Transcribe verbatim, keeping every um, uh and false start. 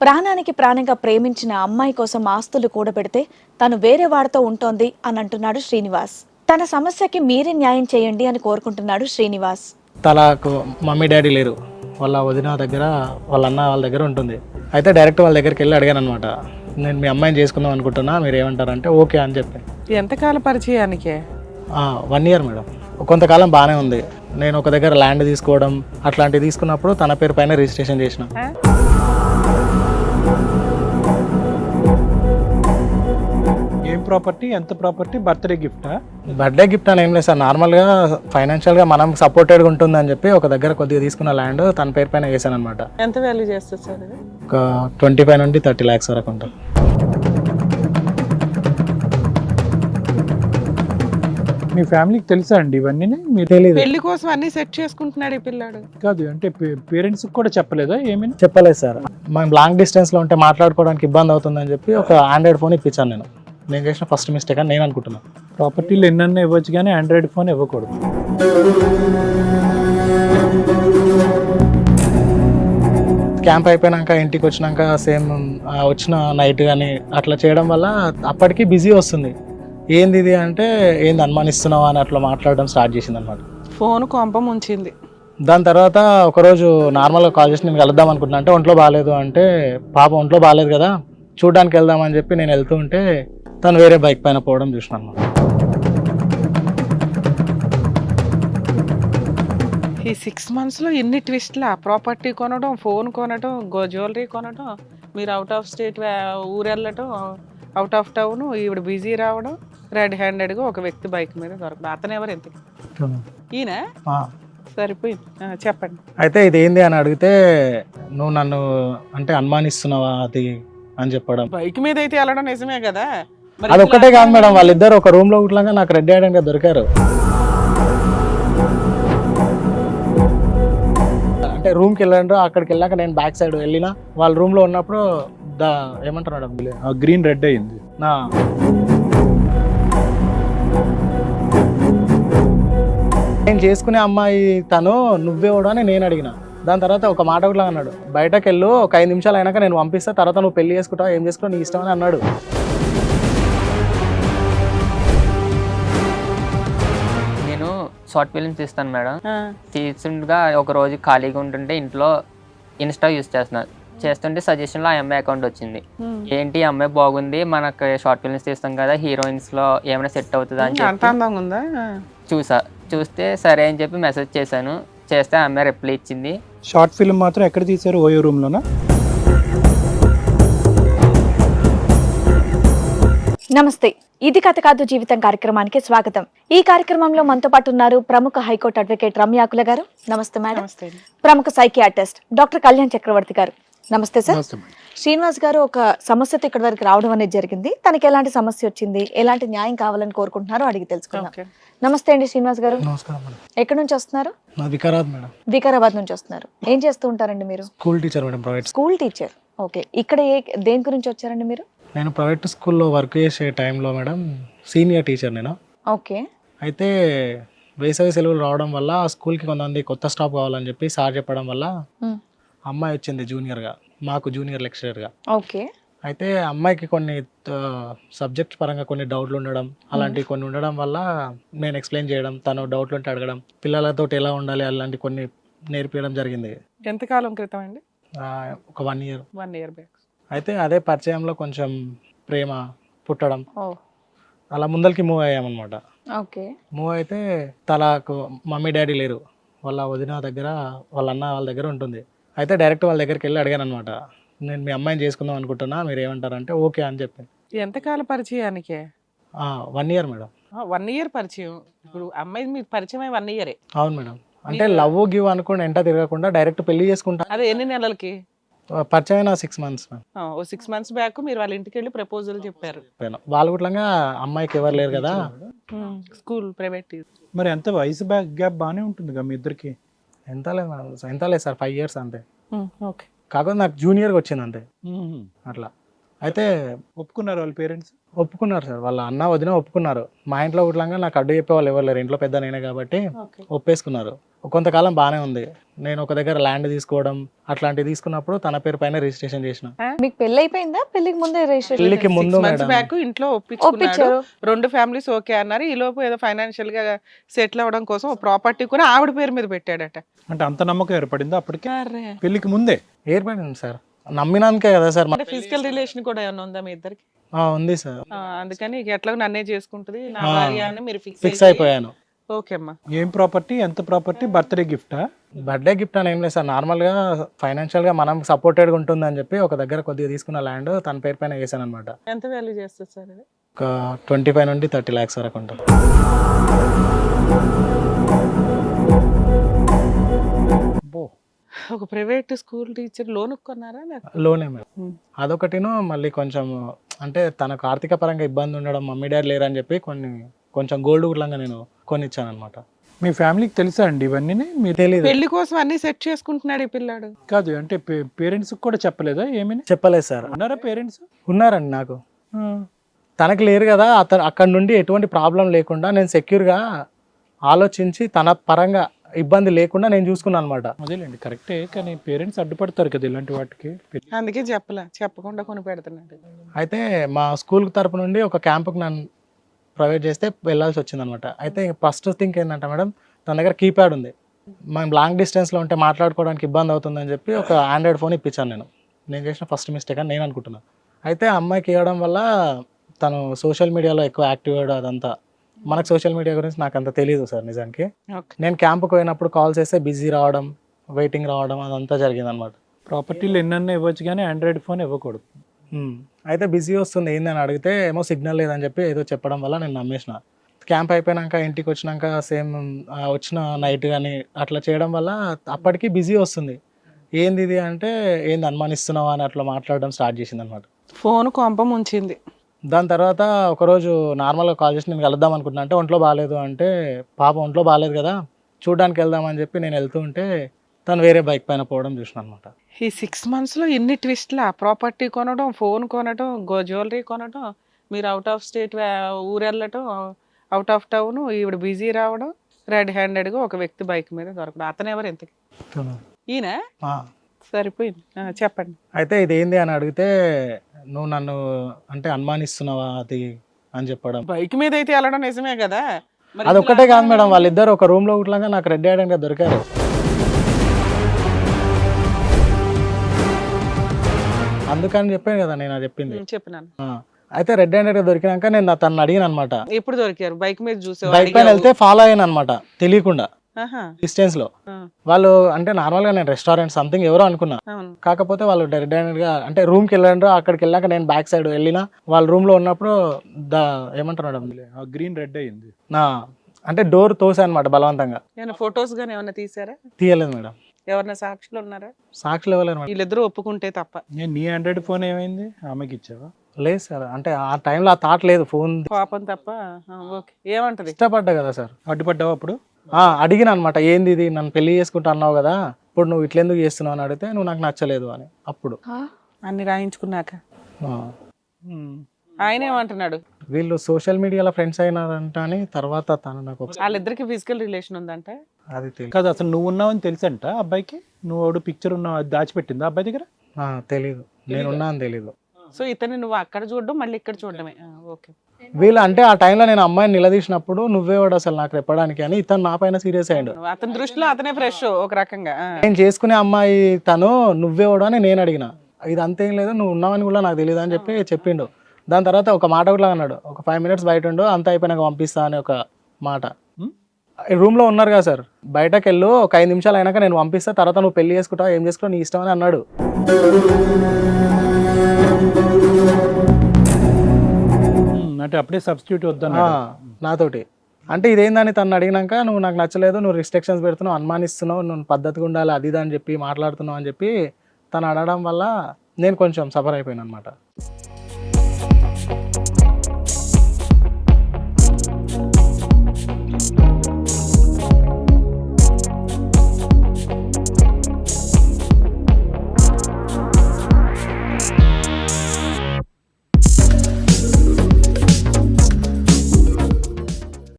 ప్రాణానికి ప్రాణంగా ప్రేమించిన అమ్మాయి కోసం ఆస్తులు కూడబెడితే తను వేరే వాడితో ఉంటోంది అని అంటున్నాడు శ్రీనివాస్. తన సమస్యకి మీరే న్యాయం చేయండి అని కోరుకుంటున్నాడు శ్రీనివాస్. తలకు మమ్మీ డాడీ లేరు, వాళ్ళ వదిన దగ్గర వాళ్ళ అన్న వాళ్ళ దగ్గర ఉంటుంది. అయితే డైరెక్ట్ వాళ్ళ దగ్గరికి వెళ్ళి అడిగాను అనమాట, నేను మీ అమ్మాయిని చేసుకుందాం అనుకుంటున్నా, మీరు ఏమంటారంటే ఓకే అని చెప్పి. ఎంతకాల పరిచయానికే? One year madam. కొంతకాలం బాగానే ఉంది. నేను ఒక దగ్గర ల్యాండ్ తీసుకోవడం అట్లాంటివి తీసుకున్నప్పుడు తన పేరు పైన రిజిస్ట్రేషన్ చేసిన. ఏం ప్రాపర్టీ, ఎంత ప్రాపర్టీ? బర్త్డే గిఫ్టా? బర్త్డే గిఫ్ట్ అని ఏం లేదు సార్, నార్మల్గా ఫైనాన్షియల్గా మనం సపోర్టెడ్గా ఉంటుందని చెప్పి ఒక దగ్గర కొద్దిగా తీసుకున్న ల్యాండ్ తన పేరు పైన వేసాను అనమాట. ఎంత వాల్యూ చేస్తుంది సార్ ఇది? ఒక ట్వంటీ ఫైవ్ నుండి థర్టీ ల్యాక్స్ వరకు ఉంటుంది. మీ ఫ్యామిలీకి తెలుసా అండి ఇవన్నీ? మీరు తెలియదు. పెళ్లి కోసం అన్ని సెట్ చేసుకుంటున్నాడు ఈ పిల్లాడు. కాదు అంటే పేరెంట్స్ కూడా చెప్పలేదా ఏమైనా? చెప్పలేదు సార్, మనం లాంగ్ డిస్టెన్స్లో ఉంటే మాట్లాడుకోవడానికి ఇబ్బంది అవుతుందని చెప్పి ఒక ఆండ్రాయిడ్ ఫోన్ ఇప్పించాను. నేను నేను చేసిన ఫస్ట్ మిస్టేక్ అని నేను అనుకుంటున్నాను. ప్రాపర్టీలు ఎన్నన్నా ఇవ్వచ్చు కానీ ఆండ్రాయిడ్ ఫోన్ ఇవ్వకూడదు. క్యాంప్ అయిపోయినాక ఇంటికి వచ్చినాక సేమ్ వచ్చిన నైట్ కానీ అట్లా చేయడం వల్ల అప్పటికి బిజీ వస్తుంది. ఏంది ఇది అంటే ఏంది అనుమానిస్తున్నావా అని అట్లా మాట్లాడడం స్టార్ట్ చేసింది అనమాట. ఫోన్ కొంపం ఉంచింది. దాని తర్వాత ఒకరోజు నార్మల్గా కాల్ చేసి నేను కలుద్దాం అనుకుంటున్నా అంటే ఒంట్లో బాగాలేదు అంటే, పాప ఒంట్లో బాగాలేదు కదా చూడడానికి వెళ్దామని చెప్పి నేను వెళ్తూ ఉంటే తను వేరే బైక్ పైన పోవడం చూసిన అనమాట. ఈ సిక్స్ మంత్స్లో ఎన్ని ట్విస్ట్లా? ప్రాపర్టీ కొనడం, ఫోన్ కొనడం, గో జ్యువెలరీ కొనడం, మీరు అవుట్ ఆఫ్ స్టేట్ ఊరు వెళ్ళటం, అవుట్ ఆఫ్ టౌన్, ఈవిడ బిజీ రావడం, రెడ్ హ్యాండెడ్గా ఒక వ్యక్తి బైక్ మీద దొరకడం. అతను ఎవరు? ఎంత ఈయన? సరిపోయింది, చెప్పండి. అయితే ఇది ఏంది అని అడిగితే, నువ్వు నన్ను అంటే అనుమానిస్తున్నావా అది అని చెప్పడం. బైక్ మీద అయితే వెళ్ళడం నిజమే కదా. అది ఒక్కటే కాదు మేడం, వాళ్ళిద్దరు ఒక రూమ్ లో ఇట్లాగా నాకు రెడ్ హ్యాండెడ్ గా దొరికారు. అంటే రూమ్కి వెళ్ళారు, అక్కడికి వెళ్ళాక నేను బ్యాక్ సైడ్ వెళ్ళిన వాళ్ళ రూమ్ లో ఉన్నప్పుడు దా ఏమంటారు మేడం, గ్రీన్ రెడ్ అయింది. నా నేను చేసుకునే అమ్మాయి తను నువ్వేవాడు అని నేను అడిగిన. దాని తర్వాత ఒక మాట కూడా అన్నాడు, బయటకు వెళ్ళు ఒక ఐదు నిమిషాలు అయినాక నేను పంపిస్తా, తర్వాత నువ్వు పెళ్లి చేసుకుంటావు, ఏం చేసుకుంటావు నీ ఇష్టం అని అన్నాడు. నేను షార్ట్ ఫిల్మ్స్ తీస్తాను మేడం. తీస్తుండగా ఒక రోజు ఖాళీగా ఉంటుంటే ఇంట్లో ఇన్స్టా యూజ్ చేస్తున్నాను. చేస్తుంటే సజెషన్లో ఆ అమ్మాయి అకౌంట్ వచ్చింది. ఏంటి ఈ అమ్మాయి బాగుంది, మనకు షార్ట్ ఫిల్మ్స్ తీస్తాం కదా, హీరోయిన్స్లో ఏమైనా సెట్ అవుతుందా అని చెప్పి చూసా. చూస్తే సరే అని చెప్పి మెసేజ్ చేశాను. చేస్తే ఆ అమ్మాయి రిప్లై ఇచ్చింది. షార్ట్ ఫిల్మ్ మాత్రం ఎక్కడ తీశారు? ఓయో రూమ్ లోనా? నమస్తే, ఇది కథ కాదు జీవితం కార్యక్రమానికి స్వాగతం. ఈ కార్యక్రమంలో మనతో పాటు ఉన్నారు ప్రముఖ హైకోర్టు అడ్వకేట్ రమ్యాకుల గారు. నమస్తే మేడం. ప్రముఖ సైకియాట్రిస్ట్ డాక్టర్ కళ్యాణ్ చక్రవర్తి గారు. నమస్తే సార్. శ్రీనివాస్ గారు ఒక సమస్యతో ఇక్కడి వరకు రావడం అనేది జరిగింది. తనకి ఎలాంటి సమస్య వచ్చింది, ఎలాంటి న్యాయం కావాలని కోరుకుంటున్నారో అడిగి తెలుసుకుందాం. నమస్తే అండి శ్రీనివాస్ గారు. నమస్కారం మేడం. ఎక్కడి నుంచి వస్తున్నారు? వికారాబాద్ మేడం. వికారాబాద్ నుంచి వస్తున్నారు. ఏం చేస్తూ ఉంటారండి మీరు? School teacher madam, private school teacher. Okay, ఇక్కడ ఏ దేని గురించి వచ్చారండి మీరు? నేను ప్రైవేట్ స్కూల్లో వర్క్ చేసే టైంలో మేడం సీనియర్ టీచర్ నేను. ఓకే. అయితే వేసవి సెలవులు రావడం వల్ల స్కూల్కి కొంతమంది కొత్త స్టాఫ్ కావాలని చెప్పి సార్ చెప్పడం వల్ల అమ్మాయి వచ్చింది జూనియర్గా, మాకు జూనియర్ లెక్చరర్గా. ఓకే. అయితే అమ్మాయికి కొన్ని సబ్జెక్ట్ పరంగా కొన్ని డౌట్లు ఉండడం అలాంటివి కొన్ని ఉండడం వల్ల నేను ఎక్స్ప్లెయిన్ చేయడం, తను డౌట్లు ఉంటే అడగడం, పిల్లలతో ఎలా ఉండాలి అలాంటి కొన్ని నేర్పించడం జరిగింది. ఎంతకాలం క్రితం అండి? ఒక one year one year back. అయితే అదే పరిచయంలో కొంచెం ప్రేమ పుట్టడం, అలా ముందరికి మూవ్ అయ్యామన్నమాట. ఓకే. మూవ్ అయితే తలకు మమ్మీ డాడీ లేరు, వాళ్ళ వదిన దగ్గర వాళ్ళ అన్న వాళ్ళ దగ్గర ఉంటుంది. అయితే డైరెక్ట్ వాళ్ళ దగ్గరికి వెళ్ళి అడిగాను అనమాట, నేను మీ అమ్మాయిని చేసుకుందాం అనుకుంటున్నా, మీరు ఏమంటారంటే ఓకే అని చెప్పి. ఎంతకాల పరిచయానికే? One year madam. One year పరిచయం. ఇప్పుడు అమ్మాయి మీకు పరిచయం వన్ ఇయరే? అవును మేడం. అంటే లవ్ గివ్ అనుకుని ఎంట తిరగకుండా డైరెక్ట్ పెళ్లి చేసుకుంటా. అదే ఎన్ని నెలలకి పరిచయం అయినా? Six months oh six months back మీరు వాళ్ళ ఇంటికి వెళ్ళి ప్రపోజల్ చెప్పారు. వాళ్ళు కూడా అమ్మాయికి ఎవరు లేరు కదా, స్కూల్ ప్రైవేట్. మరి ఎంత వయసు బ్యాక్ గ్యాప్ బాగానే ఉంటుంది కదా మీ ఇద్దరికి? ఎంత లేదు మేడం, ఎంత లేదు సార్, ఫైవ్ ఇయర్స్ అంతే. ఓకే. కాకపోతే నాకు జూనియర్గా వచ్చింది అంతే. అట్లా అయితే ఒప్పుకున్నారు వాళ్ళ పేరెంట్స్? ఒప్పుకున్నారు సార్, వాళ్ళ అన్న వదిన ఒప్పుకున్నారు. మా ఇంట్లో కూడా నాకు అడ్డు చెప్పే వాళ్ళు ఎవరు లేరు, ఇంట్లో పెద్ద నేనే కాబట్టి ఒప్పేసుకున్నారు. కొంతకాలం బాగానే ఉంది. నేను ఒక దగ్గర ల్యాండ్ తీసుకోవడం అట్లాంటివి తీసుకున్నప్పుడు తన పేరు పైన రిజిస్ట్రేషన్ చేసిన. మీకు పెళ్లి అయిపోయిందా? పెళ్లికి ముందే రిజిస్ట్రేషన్ పెళ్లికి ముందు మంత్స్ మేడం. బ్యాక్ ఇంట్లో ఒప్పించుకున్నాడు, ఒప్పించారు. రెండు ఫ్యామిలీస్ ఓకే అన్నారు. ఈ లోపు ఏదో ఫైనాన్షియల్ గా సెటిల్ అవ్వడం కోసం ప్రాపర్టీ కూడా ఆవిడ పేరు మీద పెట్టాడట. అంటే అంత నమ్మకం ఏర్పడిందా అప్పటికే పెళ్లికి ముందే? ఏర్పడింది సార్, నమ్మినానికే కదా సార్. అంటే ఫిజికల్ రిలేషన్ కూడా ఏమైనా ఉందా మీ ఇద్దరికి? ఆ, ఉంది సార్. ఆ, అందుకని ఇక ఎట్లా నన్నే చేసుకుంటది నా ఆ, భార్య అని మీరు ఫిక్స్ ఫిక్స్ అయిపోయాను. ఓకే అమ్మా. ఏం ప్రాపర్టీ, ఎంత ప్రాపర్టీ, బర్త్డే గిఫ్టా? బర్త్డే గిఫ్ట్ అని ఏం లేదు సార్, నార్మల్గా ఫైనాన్షియల్గా మనం సపోర్టెడ్గా ఉంటుందని చెప్పి ఒక దగ్గర కొద్దిగా తీసుకున్న ల్యాండ్ తన పేరు పైన వేసాను అనమాట. ఎంత వాల్యూ చేస్తుంది సార్ ఇది? ఒక ట్వంటీ ఫైవ్ నుండి థర్టీ ల్యాక్స్ వరకు ఉంటుంది. అబ్బో. ఒక ప్రైవేట్ స్కూల్ టీచర్ లోన్ కొన్నారా? లోనే మేడం. అదొకటిను, మళ్ళీ కొంచెం అంటే తనకు ఆర్థిక పరంగా ఇబ్బంది ఉండడం, మమ్మీ డాడీ లేరని చెప్పి కొన్ని కొంచెం గోల్డ్ గుడ్లంగా నేను కొనిచ్చాను అనమాట. మీ ఫ్యామిలీకి తెలుసా అండి ఇవన్నీ? మీరు తెలియదు. పెళ్లి కోసం అన్ని సెట్ చేసుకుంటున్నాడు ఈ పిల్లాడు. కాదు అంటే పేరెంట్స్ కూడా చెప్పలేదా ఏమీ? చెప్పలేదు సార్. ఉన్నారా పేరెంట్స్? ఉన్నారండి, నాకు తనకి లేరు కదా. అతను అక్కడ నుండి ఎటువంటి ప్రాబ్లం లేకుండా నేను సెక్యూర్గా ఆలోచించి తన పరంగా ఇబ్బంది లేకుండా నేను చూసుకున్నాను అనమాట. అదేలేండి, కరెక్టే. కానీ పేరెంట్స్ అడ్డుపడతారు కదా ఇలాంటి వాటికి. అందుకే చెప్పలే, చెప్పకుండా కొని పెడుతున్నాడు. అయితే మా స్కూల్ తరపు నుండి ఒక క్యాంపుకి నన్ను ప్రొవైడ్ చేస్తే వెళ్ళాల్సి వచ్చింది అనమాట. అయితే ఫస్ట్ థింగ్ ఏంటంటే మేడం, తన దగ్గర కీప్యాడ్ ఉంది. మనం లాంగ్ డిస్టెన్స్లో ఉంటే మాట్లాడుకోవడానికి ఇబ్బంది అవుతుందని చెప్పి ఒక ఆండ్రాయిడ్ ఫోన్ ఇప్పించాను నేను. నేను చేసిన ఫస్ట్ మిస్టేక్ అని నేను అనుకుంటున్నాను. అయితే అమ్మాయికి ఇవ్వడం వల్ల తను సోషల్ మీడియాలో ఎక్కువ యాక్టివ్ అయ్యాడు. అదంతా మనకు సోషల్ మీడియా గురించి నాకు అంత తెలియదు సార్ నిజానికి. నేను క్యాంపుకి పోయినప్పుడు కాల్ చేస్తే బిజీ రావడం, వెయిటింగ్ రావడం అదంతా జరిగింది అనమాట. ప్రాపర్టీలు ఎన్నన్నా ఇవ్వచ్చు కానీ ఆండ్రాయిడ్ ఫోన్ ఇవ్వకూడదు. అయితే బిజీ వస్తుంది ఏందని అడిగితే ఏమో సిగ్నల్ లేదని చెప్పి ఏదో చెప్పడం వల్ల నేను నమ్మేసిన. క్యాంప్ అయిపోయాక ఇంటికి వచ్చినాక సేమ్ వచ్చిన నైట్ కానీ అట్లా చేయడం వల్ల అప్పటికి బిజీ వస్తుంది. ఏంది ఇది అంటే ఏంది అనుమానిస్తున్నావా అని అట్లా మాట్లాడడం స్టార్ట్ చేసింది అనమాట. ఫోన్ కొంప ముంచింది. దాని తర్వాత ఒకరోజు నార్మల్గా కాల్ చేసి నేను కలుద్దాం అనుకుంటున్నా. అంటే ఒంట్లో బాగాలేదు అంటే, పాప ఒంట్లో బాగాలేదు కదా చూడడానికి వెళ్దామని చెప్పి నేను వెళ్తూ ఉంటే తను వేరే బైక్ పైన పోవడం చూసిన అనమాట. ఈ సిక్స్ మంత్స్ లో ఎన్ని ట్విస్ట్లా, ప్రాపర్టీ కొనడం, ఫోన్ కొనడం, గో జ్యువెలరీ కొనడం, మీరు అవుట్ ఆఫ్ స్టేట్ ఊరు వెళ్ళటం, అవుట్ ఆఫ్ టౌన్, ఈవిడ బిజీ రావడం, రెడ్ హ్యాండెడ్ గా ఒక వ్యక్తి బైక్ మీద దొరకడం. అతను ఎవరు ఎంతకి? ఈయన సరిపోయింది. చెప్పండి. అయితే ఇది ఏంది అని అడిగితే నువ్వు నన్ను అంటే అనుమానిస్తున్నావా అది అని చెప్పడం. బైక్ మీద అయితే వెళ్ళడం నిజమే కదా. మరి అది ఒక్కటే కాదు మేడం, వాళ్ళిద్దరు ఒక రూమ్ లో కుట్లాగా నాకు రెడ్ హ్యాండెడ్ గా దొరికారు. అందుకని చెప్పాను కదా నేను అది చెప్పింది. చెప్పినాను. అయితే రెడ్ హ్యాండెడ్ గా దొరికినాక నేను తను అడిగిన అనమాట. ఎప్పుడు దొరికారు? బైక్ మీద చూసే బైక్ పైన వెళ్తే ఫాలో అయ్యాను అనమాట తెలియకుండా డిస్టెన్స్ లో. వాళ్ళు అంటే నార్మల్ గా నేను రెస్టారెంట్ సంథింగ్ ఎవరో అనుకున్నా. కాకపోతే వాళ్ళు రెడ్ హ్యాండెడ్ గా అంటే రూమ్ కి వెళ్ళారు. అక్కడికి వెళ్ళాక నేను బ్యాక్ సైడ్ వెళ్ళినా వాళ్ళ రూమ్ లో ఉన్నప్పుడు ద ఏమంటారు మేడం, గ్రీన్ రెడ్ అయింది. అంటే డోర్ తోసా అనమాట బలవంతంగా. ఫొటోస్ గానీ ఏమన్నా తీసారా? తీయలేదు మేడం. ఎవరన్నా సాక్షులు ఉన్నారా? సాక్షులు ఇవ్వలేదు మేడం. వీళ్ళిద్దరూ ఒప్పుకుంటే తప్ప. నేను నీ ఆండ్రాయిడ్ ఫోన్ ఏమైంది, ఆమెకి ఇచ్చావా? లేదు సార్, అంటే ఆ టైంలో ఆ థాట్ లేదు, ఫోన్ పాపం తప్ప. ఓకే, ఏమంటది? ఇష్టపడ్డా కదా సార్. అడ్డుపడ్డావా అప్పుడు? అడిగిన అనమాట, ఏంది ఇది నన్ను పెళ్లి చేసుకుంటా అన్నావు కదా, ఇప్పుడు నువ్వు ఇట్లెందుకు చేస్తున్నావు అని అడిగితే నువ్వు నాకు నచ్చలేదు అని. అప్పుడు అన్ని రాయించుకున్నాక ఆయన ఏమంటున్నాడు? వీళ్ళు సోషల్ మీడియాలో ఫ్రెండ్స్ అయినారంట అని. తర్వాత తను నాకు వాళ్ళిద్దరికి ఫిజికల్ రిలేషన్ ఉందంట. అది తెలియదు. కాదు, అసలు నువ్వు ఉన్నావని తెలుసంట అబ్బాయికి? నువ్వు పిక్చర్ ఉన్నావు అది దాచిపెట్టిందా అబ్బాయి దగ్గర? తెలీదు, నేనున్నా అని తెలీదు. సో ఇతన్ని నువ్వు అక్కడ చూడడం మళ్ళీ ఇక్కడ చూడడమే. ఓకే. వీళ్ళు అంటే ఆ టైంలో నేను అమ్మాయిని నిలదీసినప్పుడు నువ్వే వాడు అసలు నాకు చెప్పడానికి అని ఇతను నా పైన సీరియస్ అయ్యాడు. అతని దృష్టిలో అతనే ఫ్రెష్ ఒక రకంగా. నేను చేసుకునే అమ్మాయి తను నువ్వే వాడు అని నేను అడిగిన. ఇది అంతేం లేదు, నువ్వు ఉన్నావని కూడా నాకు తెలియదు అని చెప్పి చెప్పిండు. దాని తర్వాత ఒక మాట కూడా అన్నాడు, ఒక ఫైవ్ మినిట్స్ బయట ఉండు అంత అయిపోయినాక పంపిస్తా అని ఒక మాట. రూమ్ లో ఉన్నారు కదా సార్, బయటకు వెళ్ళు ఒక ఐదు నిమిషాలు అయినాక నేను పంపిస్తా, తర్వాత నువ్వు పెళ్లి చేసుకుంటావు ఏం చేసుకుంటావు నీ ఇష్టం అని అన్నాడు. అంటే అప్పుడే సబ్స్టిట్యూట్ వద్దా నాతోటి. అంటే ఇదేందని తను అడిగినాక నువ్వు నాకు నచ్చలేదు, నువ్వు రిస్ట్రిక్షన్స్ పెడుతున్నావు, అనుమానిస్తున్నావు, నువ్వు పద్ధతిగా ఉండాలి అది ఇది అని చెప్పి మాట్లాడుతున్నావు అని చెప్పి తను అడగడం వల్ల నేను కొంచెం సఫర్ అయిపోయాను అనమాట.